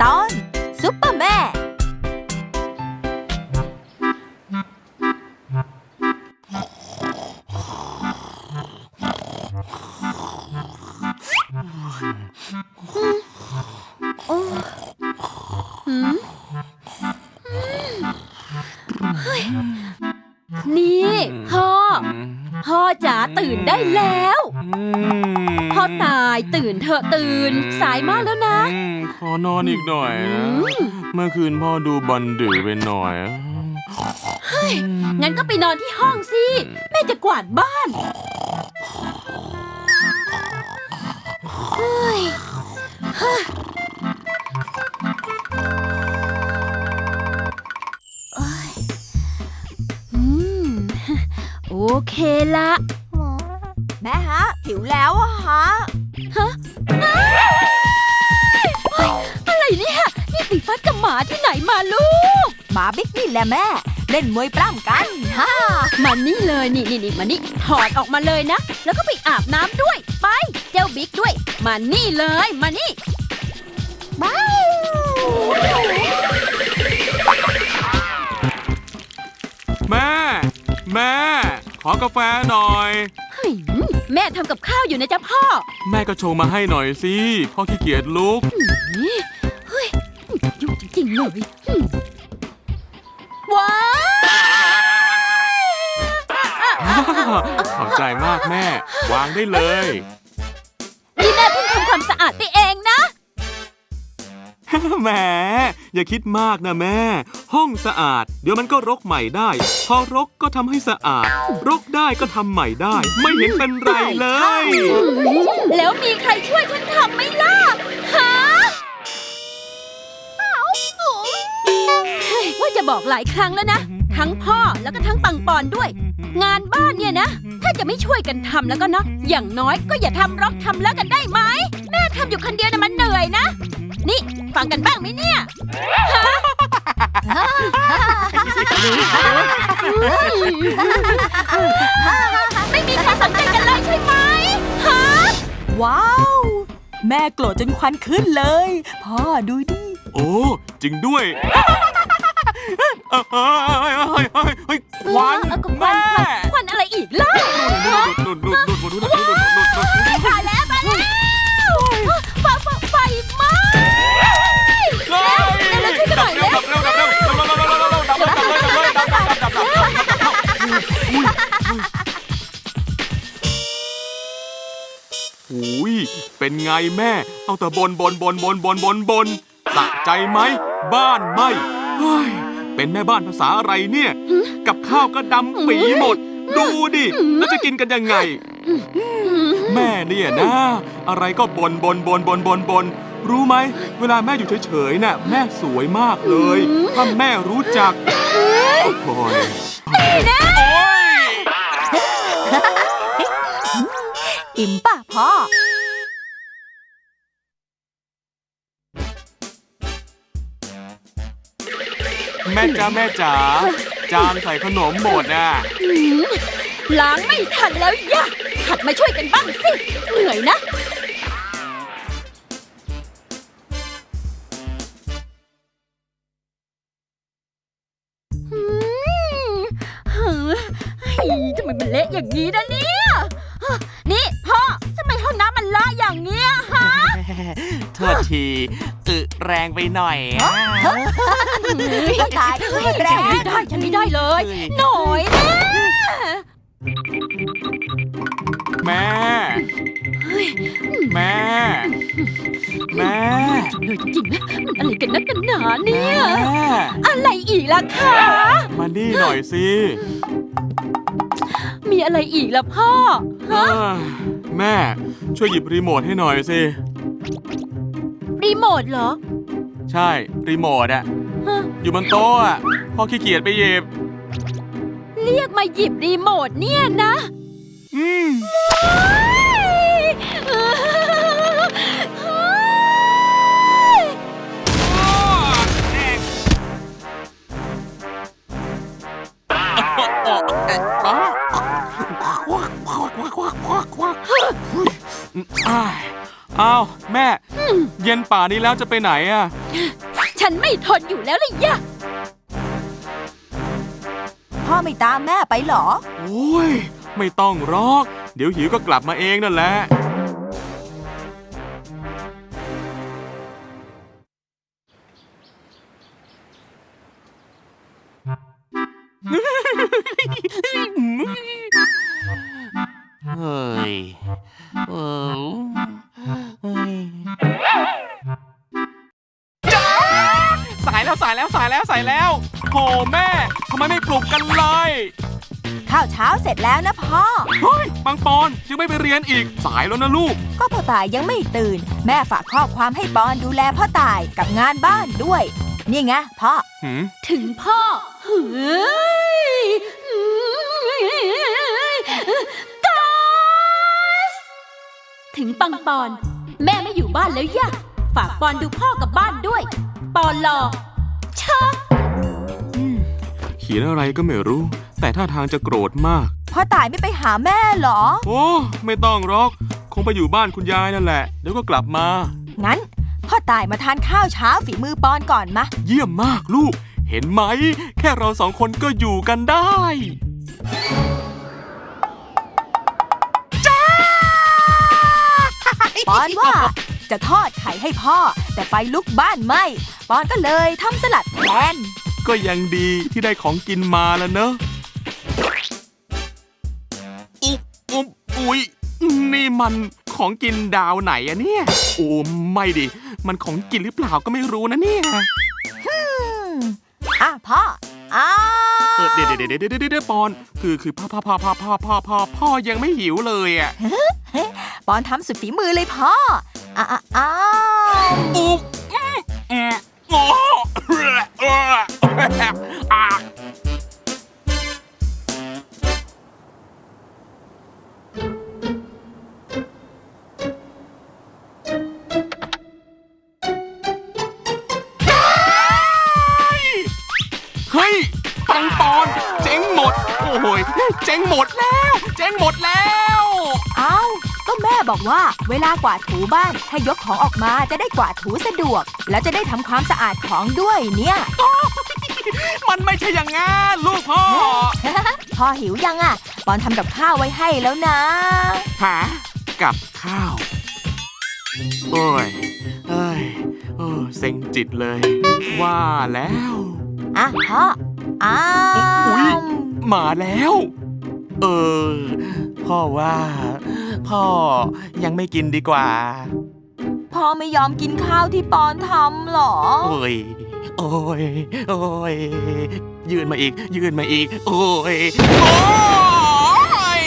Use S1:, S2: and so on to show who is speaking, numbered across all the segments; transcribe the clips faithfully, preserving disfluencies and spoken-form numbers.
S1: ตอนซุปเปอร์แม่
S2: นี่พ่อพ่อจ๋าตื่นได้แล้วพ่อตายตื่นเถอะตื่นสายมากแล้วนะ
S3: ขอนอนอีกหน่อยนะเมื่อคืนพ่อดูบอลดึกไปหน่อย
S2: เฮ้ยงั้นก็ไปนอนที่ห้องสิแม่จะกวาดบ้านเฮ้ยโอเคละ
S1: แม่ฮะหิวแล้วอะฮะ
S2: ฮะอะไรเนี่ยนี่ปีฟัดกับหมาที่ไหนมาลูก
S1: หมาบิ๊กนี่แหละแม่เล่นมวยปล้ำกันฮ่า
S2: มานี่เลยนี่นี่นี่มานี่ถอดออกมาเลยนะแล้วก็ไปอาบน้ำด้วยไปเจ้าบิ๊กด้วยมานี่เลยมานี่
S1: บ้า
S3: แม่แม่ขอกาแฟหน่อย
S2: แม่ทำกับข้าวอยู่นะจ๊ะพ่อ
S3: แม่ก็โชว์มาให้หน่อยสิพ่อขี้เกียจลุก
S2: เฮ้ยยุ่งจริงๆเลยว้าว
S3: ขอบใจมากแม่วางได้เลย
S2: นี่แม่เพิ่งทำความสะอาดไปเองนะ
S3: แหมอย่าคิดมากนะแม่ห้องสะอาดเดี๋ยวมันก็รกใหม่ได้พอรกก็ทำให้สะอาดรกได้ก็ทำใหม่ได้ไม่เห็นเป็นไรเลย
S2: แล้วมีใครช่วยฉันทำไหมล่ะฮะว่าจะบอกหลายครั้งแล้วนะทั้งพ่อแล้วก็ทั้งปังปอนด้วยงานบ้านเนี่ยนะถ้าจะไม่ช่วยกันทำแล้วก็เนาะอย่างน้อยก็อย่าทำรกทำแล้วกันได้ไหมแม่ทำอยู่คนเดียวนะมันเหนื่อยนะนี่ฟังกันบ้างไหมเนี่ยไม่มีใครสนใจกันเลยใช่ไหมฮะ
S1: ว้าวแม่โกรธจนควันขึ้นเลยพ่อดูดิ
S3: โอ้จริงด้วยควันแม่
S2: ควันอะไรอีกล่ะตายแล้วตายแล้วไฟไฟไหม้แล้วช่วยกันหน่อยเลย
S3: อุ้ยเป็นไงแม่เอาแต่บนบนบนบนบนบนบนสะใจไหมบ้านไหม้เป็นแม่บ้านภาษาอะไรเนี่ยกับข้าวก็ดำปีหมดดูดิแล้วจะกินกันยังไงแม่เนี่ยนะอะไรก็บนบนบนบนบนบนรู้ไหมเวลาแม่อยู่เฉยๆน่ะแม่สวยมากเลยถ้าแม่รู้จักโอ้ย
S1: อิ่มป่ะพ่อ
S3: แม่จ๋าแม่จ๋าจานใส่ขนมหมดอ่ะ
S2: ล้างไม่ทันแล้วย่าหัดมาช่วยกันบ้างสิเหนื่อยนะทำไมมันเละอย่างนี้นะเนี่ยนี่พ่อทำไมห้องน้ำมันละอย่างเงี้ยฮะ
S4: โทษทีอึแรงไปหน่อย
S1: ตายแรง
S2: ไม่ได้ฉันไม่ได้เลยหน่อยนะ
S3: แม่แม่แม่
S2: เลยจริงๆนะมันอะไรกันนักกันหนาเนี่ยอะไรอีกล่ะคะ
S3: มานี่หน่อยสิ
S2: มีอะไรอีกล่ะพ่อฮะ
S3: แม่ช่วยหยิบรีโมทให้หน่อยสิ
S2: รีโมทเหรอ
S3: ใช่รีโมทอะอยู่บนโต๊ะอะพ่อขี้เกียจไปหยิบ
S2: เรียกมาหยิบรีโมทเนี่ยนะ
S3: อืมอ้าวแม่เย็นไปป่านี้แล้วจะไปไหนอะ
S2: ฉันไม่ทนอยู่แล้วเลยยะ
S1: พ่อไม่ตามแม่ไปเหรอ
S3: โอ้ยไม่ต้องหรอกเดี๋ยวหิวก็กลับมาเองนั่นแหละ
S4: เฮ้ยเออเฮ้ยสายแล้วสายแล้วสายแล้วสายแล้วโหแม่ทำไมไม่ปลุกกันเลย
S1: ข้าวเช้าเสร็จแล้วนะพ่อ
S3: เฮ้ยปังปอนยังไม่ไปเรียนอีกสายแล้วนะลูก
S1: ก็พ่อตายยังไม่ตื่น แม่ฝากข้อความให้ปอนดูแลพ่อตายกับงานบ้านด้วย นี่ไงพ่อ
S3: หืม
S2: ถึงพ่อเฮ้ยกาสถึงปังปอน แม่ไม่อยู่บ้านแล้วยะฝากปอนดูพ่อกับบ้านด้วย ปอนรอชะ
S3: เขียนอะไรก็ไม่รู้ แต่ท่าทางจะโกรธมาก
S1: พ่อตายไม่ไปหาแม่เหรอ
S3: โอ้ไม่ต้องหรอกคงไปอยู่บ้านคุณยายนั่นแหละเดี๋ยวก็กลับมา
S1: งั้นพ่อตายมาทานข้าวเช้าฝีมือปอนก่อนมะ
S3: เยี่ยมมากลูก เห็นไหม แค่เราสองคนก็อยู่กันได้
S1: ปอนว่าจะทอดไข่ให้พ่อ แต่ไฟลุกบ้านไหม้ปอนก็เลยทำสลัดแทน
S3: ก็ยังดีที่ได้ของกินมาแล้วเนอะอุ๊บอุ๊บอุ๊ยนี่มันของกินดาวไหนอะเนี่ย โอ้ไม่ดิ มันของกินหรือเปล่าก็ไม่รู้นะเนี่ย
S1: อืมอ่ะพ่ออ้า
S3: เออเดี๋ยวเดี๋ยวเดี๋ยวเดี๋ยวเดี๋ยวปอน คือคือพ่อพ่อพ่อพ่อพ่อพ่อพ่อพ่อยังไม่หิวเลยอ่ะ
S1: ปอนทำสุดฝีมือเลยพ่ออ้าอ้าอ้า
S3: อุ๊บอืมอืมโอ้เออเอออ่ะเฮ้ยปังปอนเจ๊งหมด โอ้โหยเจ๊งหมดแล้ว เจ๊งหมดแล้ว
S1: เอ้าก็แม่บอกว่าเวลากวาดถูบ้านให้ยกของออกมาจะได้กวาดถูสะดวก แล้วจะได้ทำความสะอาดของด้วยเนี่ย
S3: มันไม่ใช่อย่างงั้นลูกพ่อ
S1: พ่อหิวยังอ่ะปอนทำกับข้าวไว้ให้แล้วนะ
S3: หากับข้าว โอ้ยเอ้ยเออเซ็งจิตเลย ว่าแล้ว
S1: อ่ะพ่ออ้า
S3: อุ๊ย
S1: ว
S3: มาแล้ว
S4: เออพ่อว่าพ่อยังไม่กินดีกว่า
S1: พ่อไม่ยอมกินข้าวที่ปอนทำเหรอ
S4: โอ้ยโอ้ยโอ้ยยืนมาอีก ยืนมาอีก โอ้ยโอ้ย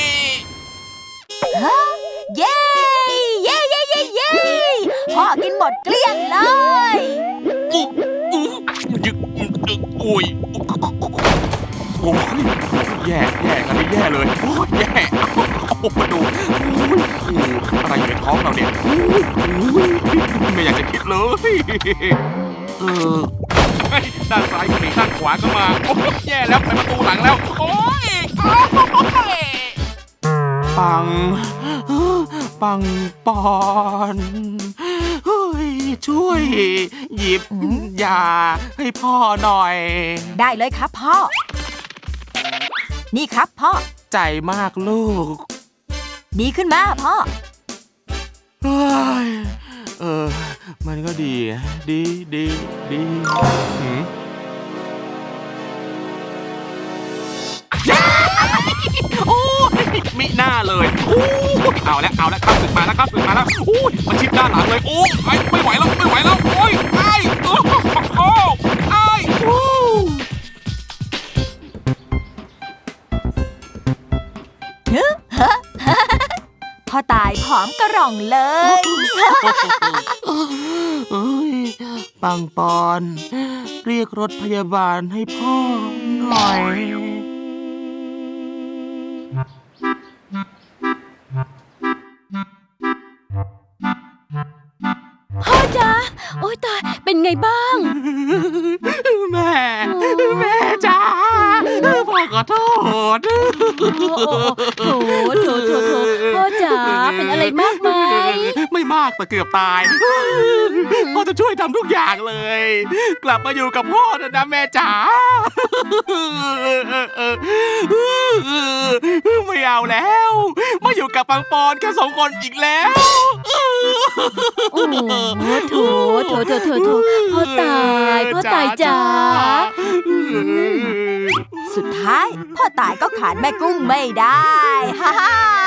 S1: เย้เย้เย้เย้เย้พ่อกินหมดเกลี้ยงเลย
S3: อุ๊บอุ๊บยึกยึกโอ้ยโอ้ยแย่แย่อันนี้แย่เลยโอ้ยแย่เอามาดูโอ้ยอะไรอยู่ในท้องเราเนี่ยโอ้ยไม่อยากจะคิดเลย เออเฮ้ยด้านซ้ายก็มีด้านขวาก็มาโอ้ยแย่แล้วไปประตูหลังแล้ว โอ้ยโอ้ยปัง ปังปอนเฮ้ยช่วย หยิบยาให้พ่อหน่อย
S1: ได้เลยครับพ่อ นี่ครับพ่อ
S4: ใจมากลูก
S1: ดีขึ้นมาพ่อ
S4: เฮ้ยเออ มันก็ดี ดีดีดีหืม
S3: โอ้ยมิหน้าเลยโอ้ยเอาแล้วเอาแล้วข้าศึกมาแล้วข้าศึกมาแล้วโอ้ยมันชิดด้านหลังเลยโอ้ยไอ้ไม่ไหวแล้วไม่ไหวแล้วโอ้ยไอ้โอ้โอ้ไอ้โอ้
S1: พ่อตายผอมกระหร่องเลย
S4: เอ้ยปังปอน เรียกรถพยาบาลให้พ่อหน่อย
S2: พ่อจ๊ะโอ๊ยตายเป็นไงบ้าง
S3: แม่ แม่จ้าพ่อขอโทษ
S2: โอ้โถโถโถโถพ่อจ๋าเป็นอะไรมากไหม
S3: ไม่มาก
S4: ากแต่เกือบตายพ่อจะช่วยทำทุกอย่างเลย กลับมาอยู่กับพ่อเถอะนะแม่จ๋าไม่เอาแล้วมาอยู่กับปังปอนแค่สองคนอีกแล้ว
S2: โอ้โถโถโถโถโถพ่อตายพ่อตายจ๋า
S1: สุดท้ายพ่อตายก็ขาดแม่กุ้งไม่ได้ฮ่าฮ่า